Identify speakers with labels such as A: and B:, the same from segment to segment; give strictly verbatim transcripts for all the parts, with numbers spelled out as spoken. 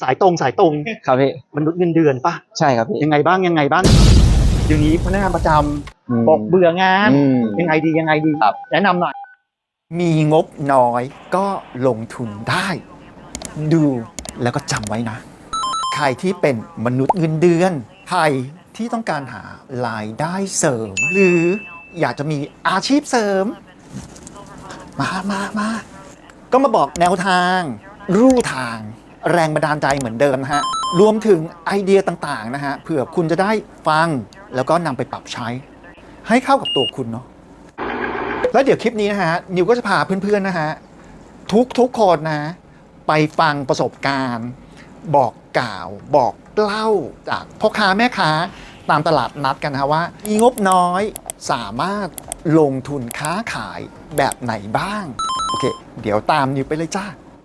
A: สายตรงสายตรง
B: ครับพี่
A: มนุษย์เงินเดือนปะ
B: ใช่ครับพี่
A: ยังไงบ้างยังไงบ้างเดี๋ยวนี้พนักงานประจำบอกเบื่องานยังไงดียังไงดี
B: ครับ
A: แนะนำหน่อยมีงบน้อยก็ลงทุนได้ดูแล้วก็จำไว้นะใครที่เป็นมนุษย์เงินเดือนใครที่ต้องการหารายได้เสริม หรืออยากจะมีอาชีพเสริมมามามาก็มาบอกแนวทางรูทางแรงบันดาลใจเหมือนเดิมนะฮะรวมถึงไอเดียต่างๆนะฮะเผื่อคุณจะได้ฟังแล้วก็นำไปปรับใช้ให้เข้ากับตัวคุณเนาะแล้วเดี๋ยวคลิปนี้นะฮะนิวก็จะพาเพื่อนๆนะฮะทุกทุกคนนะไปฟังประสบการณ์บอกกล่าวบอกเล่าจากพ่อค้าแม่ค้าตามตลาดนัดกันนะว่ามีงบน้อยสามารถลงทุนค้าขายแบบไหนบ้างโอเคเดี๋ยวตามนิวไปเลยจ้า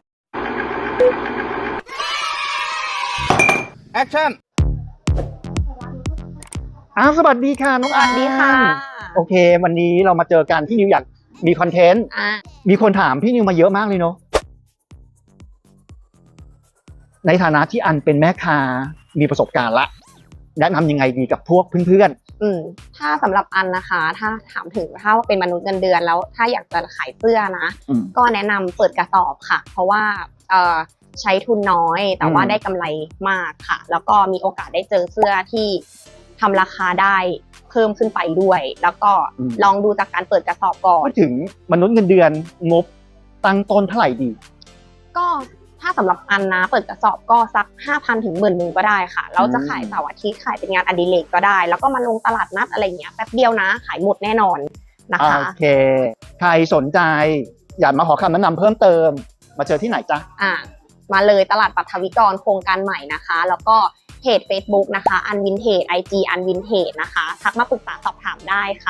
A: แอคชั่นอ้าวสวัสดีค่ะน้อง
C: สวัสดีค่ะ
A: โอเควันนี้เรามาเจอกันพี่นิวอยากมีคอนเทนต์มีคนถามพี่นิวมาเยอะมากเลยเนาะในฐานะที่อันเป็นแม่ค้ามีประสบการณ์ละแนะนำยังไงดีกับพวกเพื่อน
C: ๆอืมถ้าสำหรับอันนะคะถ้าถามถึงถ้าว่าเป็นมนุษย์เงินเดือนแล้วถ้าอยากจะขายเสื้อนะก็แนะนำเปิดกระสอบค่ะเพราะว่าเอ่อใช้ทุนน้อยแต่ว่าได้กำไรมากค่ะแล้วก็มีโอกาสได้เจอเสื้อที่ทำราคาได้เพิ่มขึ้นไปด้วยแล้วก็ลองดูจากการเปิดกระสอบก่อน
A: ถึงมนุษย์เงินเดือนงบตั้งต้นเท่าไหร่ดี
C: ก็ถ้าสำหรับอันนะเปิดกระสอบก็สัก ห้าพัน ถึง หมื่น นึงก็ได้ค่ะเราจะขายเสาร์อาทิตย์ขายเป็นงานอดิเรกก็ได้แล้วก็มาลงตลาดนัดอะไรเงี้ยแป๊บเดียวนะขายหมดแน่นอนนะคะ
A: โอเคใครสนใจอยากมาขอคำแนะนำเพิ่มเติมมาเจอที่ไหนจ๊ะ
C: อ่ามาเลยตลาดปัทวิกรโครงการใหม่นะคะแล้วก็เพจ Facebook นะคะอันวินเทจ ไอ จี อันวินเทจนะคะทักมาปรึกษาสอบถามได้ค่ะ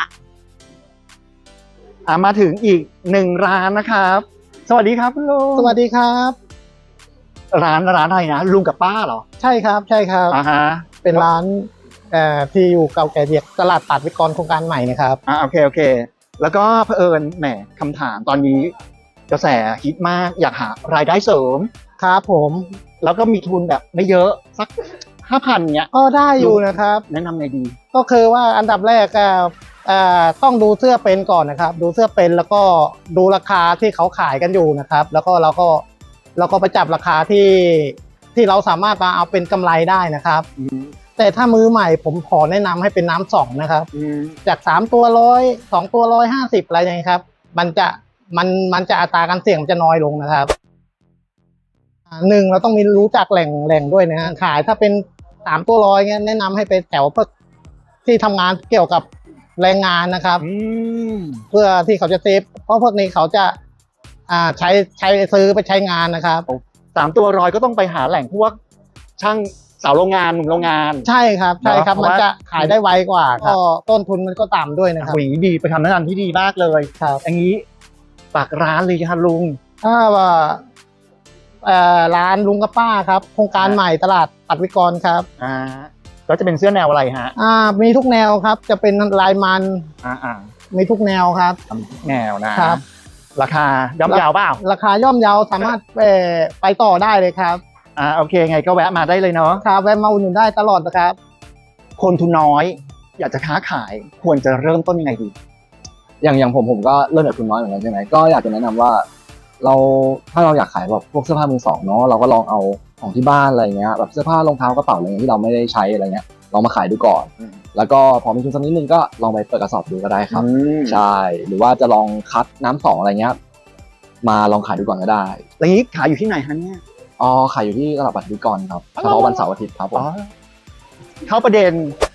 A: อ่ามาถึงอีกหนึ่งร้านนะครับสวัสดีครับคุณลุง
D: สวัสดีครับ
A: ร้านร้านอะไรนะลุงกับป้าเหรอ
D: ใช่ครับใช่ครับ
A: อ่าฮะ
D: เป็นร้านเอ่อที่อยู่เก่าแก่เดียกตลาดปัทวิกรโครงการใหม่นะครับ
A: อ่าโอเคโอเคแล้วก็เผอิญแหมคำถามตอนนี้กระแสฮิตมากอยากหารายได้เสริม
D: ครับผม
A: แล้วก็มีทุนแบบไม่เยอะสักห้าพันเนี้ย
D: ก็ได้อยู่นะครับ
A: แนะนำไงดี
D: ก็คือว่าอันดับแรกก็ต้องดูเสื้อเป็นก่อนนะครับดูเสื้อเป็นแล้วก็ดูราคาที่เขาขายกันอยู่นะครับแล้วก็เราก็เราก็ไปจับราคาที่ที่เราสามารถมาเอาเป็นกำไรได้นะครับแต่ถ้ามือใหม่ผมขอแนะนำให้เป็นน้ำสองนะครับจากสามตัวร้อยสองตัวร้อยห้าสิบอะไรอย่างนี้ครับมันจะมันมันจะอัตราการเสี่ยงจะน้อยลงนะครับหนึ่งเราต้องมีรู้จักแหล่งแหล่งด้วยนะฮะขายถ้าเป็นสามตัวร้อยเงี้ยแนะนำให้ไปแถวพวกที่ทำงานเกี่ยวกับแรงงานนะครับเพื่อที่เขาจะเซฟเพราะพวกนี้เขาจะอ่าใช้ใช้ซื้อไปใช้งานนะครับ
A: สามตัวร้อยก็ต้องไปหาแหล่งพวกช่างสาวโรงงานหนุ่มโรงงาน
D: ใช่ครับใช่ครับมันจะขายได้ไวกว่าก็ต้นทุนมันก็ต่ำด้วยนะครับ
A: อย่างนี้ดีไปทำแนะนำที่ดีมากเลย
D: ครับ
A: อย่างนี้ฝากร้านเลยครับลุง
D: ถ้าว่าร้านลุงกับป้าครับโครงการใหม่ตลาดปัทวิกรครับ
A: อ่าแล้วจะเป็นเสื้อแนวอะไรฮะ
D: อ่ามีทุกแนวครับจะเป็นลายมัน
A: อ่าอ่า
D: มีทุกแนวครับ
A: ทุกแนวนะครับราคาย่อมเยาวเปล่า
D: ราคาย่อมเยาสามารถไปไปต่อได้เลยครับ
A: อ่าโอเคไงก็แวะมาได้เลยเนาะ
D: ครับแวะมาอุดหนุนได้ตลอดนะครับ
A: คนทุนน้อยอยากจะค้าขายควรจะเริ่มต้นยังไงดี
B: อย่างอย่างผมผมก็เริ่มจากทุนน้อยเหมือนกันใช่ไหมก็อยากจะแนะนำว่าเราถ้าเราอยากขายแบบพวกเสื้อผ้ามือสองเนาะเราก็ลองเอาของที่บ้านอะไรเงี้ยแบบเสื้อผ้ารองเท้ากระเป๋าอะไรเงี้ยที่เราไม่ได้ใช้อะไรเงี้ยลองมาขายดูก่อนแล้วก็พอมีทุนสักนิดนึงก็ลองไปเปิดกระสอบดูก็ได้ครับใช่หรือว่าจะลองคัดน้ำสองอะไรเงี้ยมาลองขายดูก่อนก็ได้
A: แล้วนี้ขายอยู่ที่ไหนฮะเนี่ย
B: อ๋อขายอยู่ที่ตลาดปัทวิกรครับเฉพาะวันเสาร์อาทิตย์ครับผม
A: เข้าประเด็น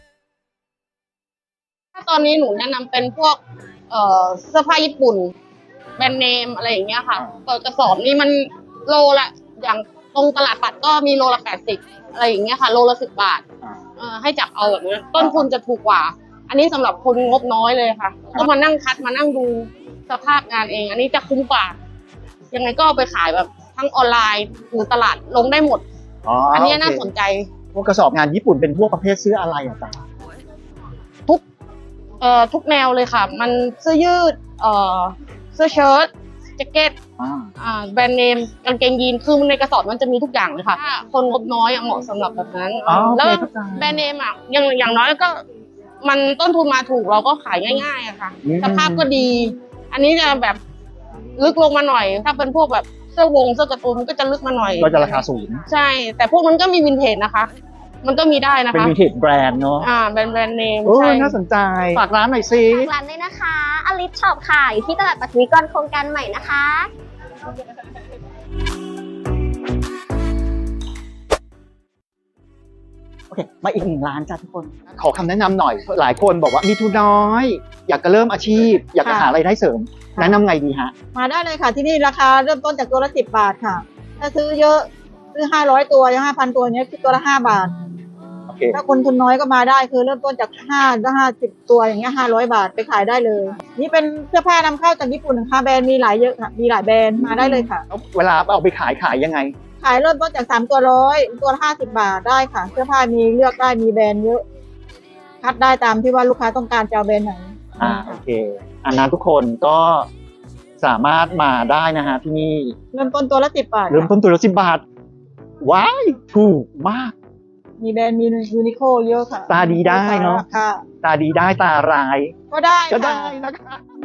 C: ถ้าตอนนี้หนูแนะนำเป็นพวกเอ่อเสื้อผ้าญี่ปุ่นแบรนด์เนมอะไรอย่างเงี้ยค่ะเปิดกระสอบนี่มันโลละอย่างตรงตลาดปัดก็มีโลละแปดสิบอะไรอย่างเงี้ยค่ะโลละสิบบาทเอ่อให้จับเอาแบบนี้ต้นทุนจะถูกกว่าอันนี้สำหรับคนงบน้อยเลยค่ะก็มานั่งคัดมานั่งดูสภาพงานเองอันนี้จะคุ้มกว่ายังไงก็ไปขายแบบทั้งออนไลน์หรือตลาดลงได้หมดอ๋ออันนี้น่าสนใจ
A: พวกกระสอบงานญี่ปุ่นเป็นพวกประเภทเสื้ออะไรอ่ะจ๊ะ
C: ทุกเอ่อทุกแนวเลยค่ะมันเสื้อยืดเอ่อเสื้อเชิ้ตแจ็คเก็ต
A: อ่า
C: อ่าแบรนด์เนมกางเกงยีนคือในกระสอบมันจะมีทุกอย่างเลยค่ะถ้าคนงบน้อยอะเหมาะสำหรับแบบนั้น
A: อ๋อโอเค
C: แล้ว
A: เข้าใจ
C: แบรนด์เนมอะอย่างอย่างน้อยก็ มันต้นทุนมาถูกเราก็ขายง่ายๆอะค่ะ
A: อืม
C: สภาพก็ดี อันนี้จะแบบลึกลงมาหน่อย ถ้าเป็นพวกแบบเสื้อวงเสื้อการ์ตูนมันก็จะลึกมาหน่อย
A: ก็จะราคาสูง
C: ใช่ แต่พวกมันก็มีวินเทจนะคะ มันก็มีได้นะ
A: เป็น
C: คะ
A: วินเทจแบรนด์เนาะ
C: อ่าแบรนด์แบรนด์เนม
A: โอ้
C: ใช่
A: น่าสนใจฝากร้านหน่อยสิ
E: ฝากร้านด้วยนะคะอลิสช็อปค่ะอยู่ที่ตลาดปัทวิกรโครงการใหม่นะคะ
A: โอเคมาอีกหนึ่งร้านจ้าทุกคน ขอคำแนะนำหน่อย หลายคนบอกว่ามีทุนน้อย อยากจะเริ่มอาชีพ อยากจะหารายได้เสริม แนะนำไงดีฮะ
F: มาได้เลยค่ะที่นี่ราคาเริ่มต้นจากตัวละสิบบาทค่ะ ถ้าซื้อเยอะซื้อห้าร้อยตัวยังห้าพันตัวเนี้ยคิดตัวละห้าบาท
A: โอเค
F: ถ้าคนทุนน้อยก็มาได้คือเริ่มต้นจากห้าถึงห้าสิบตัวอย่างเงี้ยห้าร้อยบาทไปขายได้เลย นี่เป็นเสื้อผ้านำเข้าจากญี่ปุ่นนะคะแบรนด์มีหลายเยอะค่ะมีหลายแบรนด์มาได้เลยค่ะ
A: เวลาเอาไปขายขายยังไง
F: ขายเริ่มต้นจากสามตัวร้อยตัวละห้าสิบบาทได้ค่ะ เสื้อผ้ามีเลือกได้มีแบรนด์เยอะ คัดได้ตามที่ว่าลูกค้าต้องการจะเอาแบรนด์ไหน
A: อ่าโอเค อันนั้นทุกคนก็สามารถมาได้นะฮะที่นี่
F: เริ่มต้นตัวละสิบบาท
A: เริ่มต้นตัวละสิบบาท ว้ายถูกมาก
F: มีแบรนด์มียูนิโคเยอะค่ะ
A: ตาดีได้เนอะ
F: ค่ะ
A: ตาดีได้ตาร้าย
F: ก็ได้
A: ก็
F: ค่ะ
A: ได้นะคะ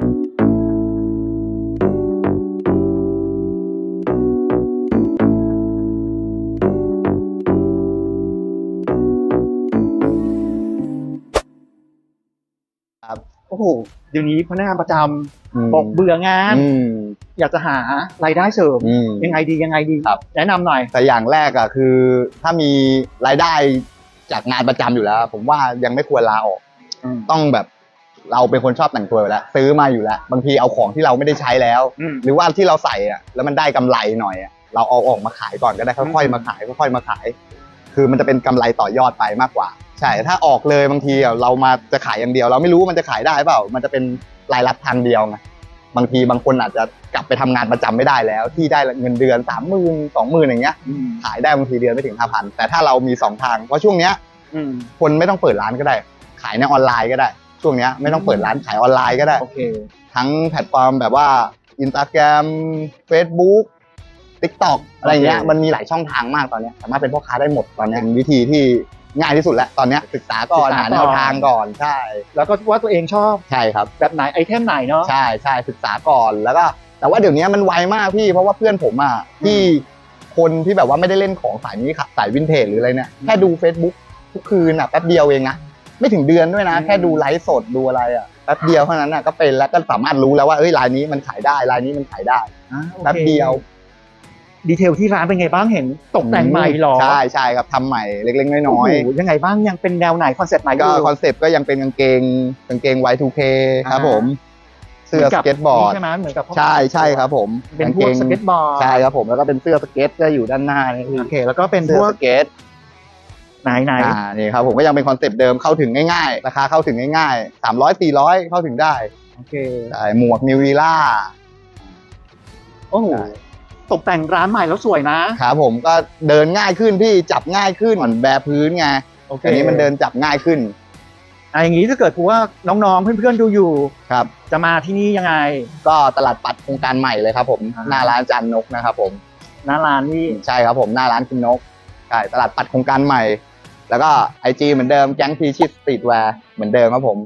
A: โอ้โห เดี๋ยวนี้พนักงานประจำบอกเบื่องาน
G: อืม
A: อยากจะหารายได้เสริม
G: อืม
A: ยังไงดียังไงดี
G: ครับ
A: แนะนำหน่อย
G: แต่อย่างแรกอะคือถ้ามีรายได้จากงานประจำอยู่แล้ว ผมว่ายังไม่ควรลาออก
A: อืม
G: ต้องแบบเราเป็นคนชอบแต่งตัวอยู่แล้ว ซื้อมาอยู่แล้ว บางทีเอาของที่เราไม่ได้ใช้แล้ว
A: อืม
G: หรือว่าที่เราใส่อะแล้วมันได้กำไรหน่อยอะเราเอาออกมาขายก่อนก็ได้ค่อยๆมาขายค่อยๆมาขาย คือมันจะเป็นกำไรต่อยอดไปมากกว่า ใช่ถ้าออกเลยบางทีอะเรามาจะขายอย่างเดียว เราไม่รู้ว่ามันจะขายได้เปล่า มันจะเป็นรายรับทางเดียวไงบางทีบางคนอาจจะกลับไปทำงานประจำไม่ได้แล้ว ที่ได้เงินเดือนสามหมื่นสองหมื่นอย่างเงี้ย
A: อืม
G: ขายได้บางทีเดือนไม่ถึงห้าพันแต่ถ้าเรามีสองทางเพราะช่วงเนี้ย
A: อืม
G: คนไม่ต้องเปิดร้านก็ได้ ขายในออนไลน์ก็ได้ ช่วงเนี้ยไม่ต้องเปิดร้านขายออนไลน์ก็ได้
A: โอเค
G: ทั้งแพลตฟอร์มแบบว่า Instagram Facebook TikTok อะไรเงี้ย
A: โอเค
G: มันมีหลายช่องทางมากตอนเนี้ยสามารถเป็นพ่อค้าได้หมดตอนเนี้ยเป็นวิธีที่ง่ายที่สุดแล้วตอนเนี้ยศึกษาก่อนหาแนวทางก่อนใช่
A: แล้วก็ว่าตัวเองชอบ
G: ใช่ครับ
A: แบบไหนไอเทมไหนเนาะ
G: ใช่ใช่ศึกษาก่อนแล้วก็ แต่ว่าเดี๋ยวนี้มันไวมากพี่เพราะว่าเพื่อนผมอ่ะที่คนที่แบบว่าไม่ได้เล่นของสายนี้ค่ะสายวินเทจหรืออะไรเนี่ยแค่ดู Facebook ทุกคืนอ่ะแป๊บเดียวเองนะไม่ถึงเดือนด้วยนะ แค่ดูไลฟ์สดดูอะไรอ่ะแป๊บเดียวเท่านั้นอ่ะก็เป็นแล้วก็สามารถรู้แล้วว่าเอ้ยรายนี้มันขายได้รายนี้มันขายได้
A: อ่าโอค
G: แป๊บเดียว
A: ดีเทลที่ร้านเป็นไงบ้างเห็นตกแต่งใหม่หรอ
G: ใช่ใช่ครับทำใหม่เล็กๆน้อย
A: โอ้โหยังไงบ้างยังเป็นแนวไหนคอนเซ็ปต์ไหน
G: ๆก็
A: ยู่
G: คอนเซปต์ก็ยังเป็นกางเกงกางเกง วาย ทู เค ครับ
A: อ่า
G: ผมเสื้อสเก็ตบอร์ด
A: ใช่ไหมเหมือนกับ
G: ใช่ใช่ครับผม
A: เป็นพวกสเก็ตบอร์ด
G: ใช่ครับผมแล้วก็เป็นเสื้อสเก็ตก็อยู่ด้านหน้านี่คือ
A: โอเค แล้วก็เป็นพ
G: เสื้อ
A: วก
G: สเก็ต
A: ไหนไหน
G: อ่านี่ครับผมก็ยังเป็นคอนเซปต์เดิมเข้าถึงง่ายๆราคาเข้าถึงง่ายๆสามร้อยสี่ร้อยเข้าถึงได้
A: โอเค
G: ใช่หมวกนิววีล่า
A: โอ้โหตกแต่งร้านใหม่แล้วสวยนะครับ
G: ผมก็เดินง่ายขึ้นพี่จับง่ายขึ้นเหมือนแบพื้นไง
A: โอเค
G: อันนี้มันเดินจับง่ายขึ้น
A: อ่ะอย่างนี้ถ้าเกิดว่าน้องๆเพื่อนๆดูอยู่
G: ครับ
A: จะมาที่นี่ยังไง
G: ก็ตลาดปัดโครงการใหม่เลยครับผม
A: อ่า
G: หน้าร้านจันนกนะครับผม
A: หน้าร้านนี่
G: ใช่ครับผมหน้าร้านคุณนกใช่ตลาดปัดโครงการใหม่ แล้วก็ไอจีเหมือนเดิมแก๊งพีชิตสตรีทแวร์เหมือนเดิมครับผม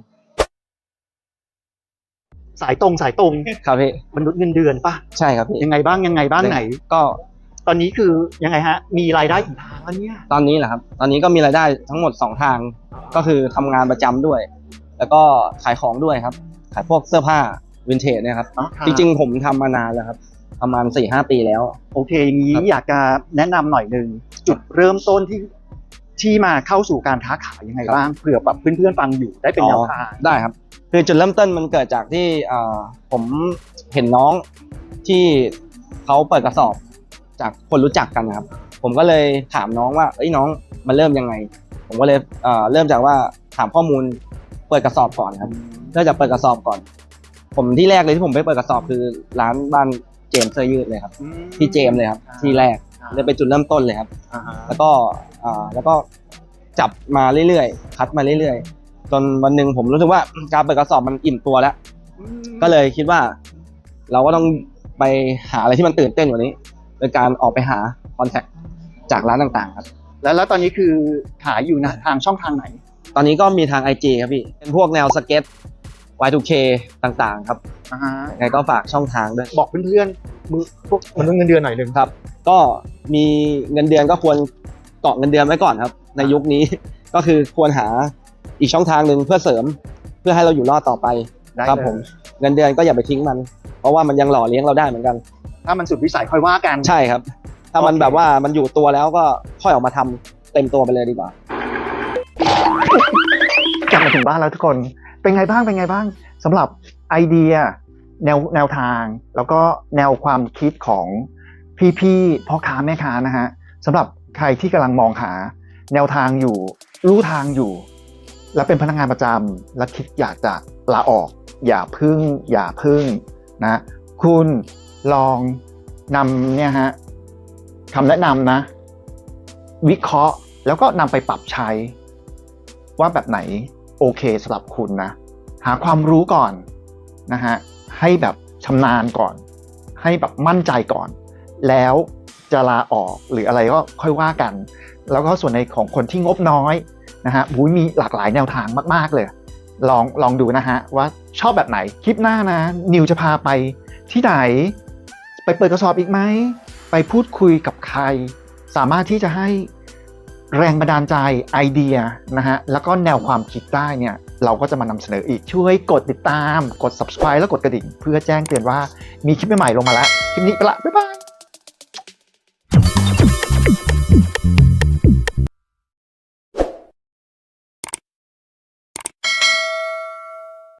A: สายตรงสายตรง
B: ครับพี่
A: มนุษย์เงินเดือนปะ
B: ใช่ครับพี่
A: ยังไงบ้างยังไงบ้างไหน
B: ก็
A: ตอนนี้คือยังไงฮะ มีรายได้กี่ทางแล้วเนี่ย
B: ตอนนี้แหละครับ ตอนนี้ก็มีรายได้ทั้งหมดสองทาง ก็คือทำงานประจำด้วย แล้วก็ขายของด้วยครับ ขายพวกเสื้อผ้าวินเทจเนี่ยครับ จริงๆผมทำมานานแล้วครับ ประมาณสี่ห้าปีแล้ว
A: โอเคอย่างนี้
B: ครับ
A: อยากจะแนะนำหน่อยหนึ่งจุดเริ่มต้นที่ที่มาเข้าสู่การค้าขายยังไงบ้างเผื่อแบบเพื่อนๆฟังอยู่ได้เป็นแนวทาง
B: ได้ครับ คือจุดเริ่มต้นมันเกิดจากที่เอ่อผมเห็นน้องที่เขาเปิดกระสอบจากคนรู้จักกันนะครับ ผมก็เลยถามน้องว่าเอ้ยน้องมันเริ่มยังไง ผมก็เลยเอ่อเริ่มจากว่าถามข้อมูลเปิดกระสอบก่อนครับเริ่มจากเปิดกระสอบก่อน ผมที่แรกเลยที่ผมไปเปิดกระสอบคือร้านบ้านเจมส์เสื้อยืดเลยครับที่เจมส์เลยครับที่แรกเลยเป็นจุดเริ่มต้นเลยครับ
A: อ่าฮะ
B: แล้วก็อ่าแล้วก็จับมาเรื่อยๆ คัดมาเรื่อยๆ จนวันหนึ่งผมรู้สึกว่าการเปิดกระสอบมันอิ่มตัวแล้ว ก็เลยคิดว่า เราก็ต้องไปหาอะไรที่มันตื่นเต้นกว่านี้โดยการออกไปหาคอนแทคจากร้านต่างๆครับ
A: แล้วแล้วตอนนี้คือขายอยู่นะทางช่องทางไหน
B: ตอนนี้ก็มีทาง ไอ จี ครับพี่เป็นพวกแนวสเก็ต วาย ทู เค ต่างๆครับ
A: อ่าฮะ
B: ยังไงก็ฝากช่องทางด้วย
A: บอกเพื่อนๆมือพวกมนุษย์เงินเดือนหน่อยหนึ่ง
B: ครับ ก็มีเงินเดือนก็ควรเกาะเงินเดือนไว้ก่อนครับ ในยุคนี้ ก็คือควรหาอีกช่องทางหนึ่งเพื่อเสริมเพื่อให้เราอยู่รอดต่อไป
A: ได้
B: ครับ
A: เลย
B: ผมเงินเดือนก็อย่าไปทิ้งมัน เพราะว่ามันยังหล่อเลี้ยงเราได้เหมือนกัน
A: ถ้ามันสุดวิสัยค่อยว่ากัน
B: ใช่ครับ ถ้ามัน
A: โอเค
B: แบบว่ามันอยู่ตัวแล้วก็ค่อยออกมาทำเต็มตัวไปเลยดีกว่า
A: กลับมาถึงบ้านแล้วทุกคน เป็นไงบ้างเป็นไงบ้างสำหรับไอเดียแนวแนวทาง แล้วก็แนวความคิดของพี่ๆพ่อค้าแม่ค้านะฮะสำหรับใครที่กำลังมองหาแนวทางอยู่รู้ทางอยู่ และเป็นพนักงานประจำและคิดอยากจะลาออก อย่าพึ่ง อย่าพึ่งนะคุณลองนำเนี่ยฮะคำแนะนำนะ วิเคราะห์แล้วก็นำไปปรับใช้ ว่าแบบไหนโอเคสำหรับคุณนะ หาความรู้ก่อนนะฮะให้แบบชำนาญก่อน ให้แบบมั่นใจก่อน แล้วจะลาออกหรืออะไรก็ค่อยว่ากัน แล้วก็ส่วนในของคนที่งบน้อยนะฮะบุ้ยมีหลากหลายแนวทางมากๆเลย ลองลองดูนะฮะว่าชอบแบบไหนคลิปหน้านะนิวจะพาไปที่ไหนไปเปิดกระสอบอีกไหมไปพูดคุยกับใคร สามารถที่จะให้แรงบันดาลใจไอเดียนะฮะแล้วก็แนวความคิดได้เนี่ยเราก็จะมานำเสนออีกช่วยกดติดตามกด ซับสไครบ์ แล้วกดกระดิ่งเพื่อแจ้งเตือนว่ามีคลิปใหม่ๆลงมาแล้วคลิปนี้ไปละบ๊ายบาย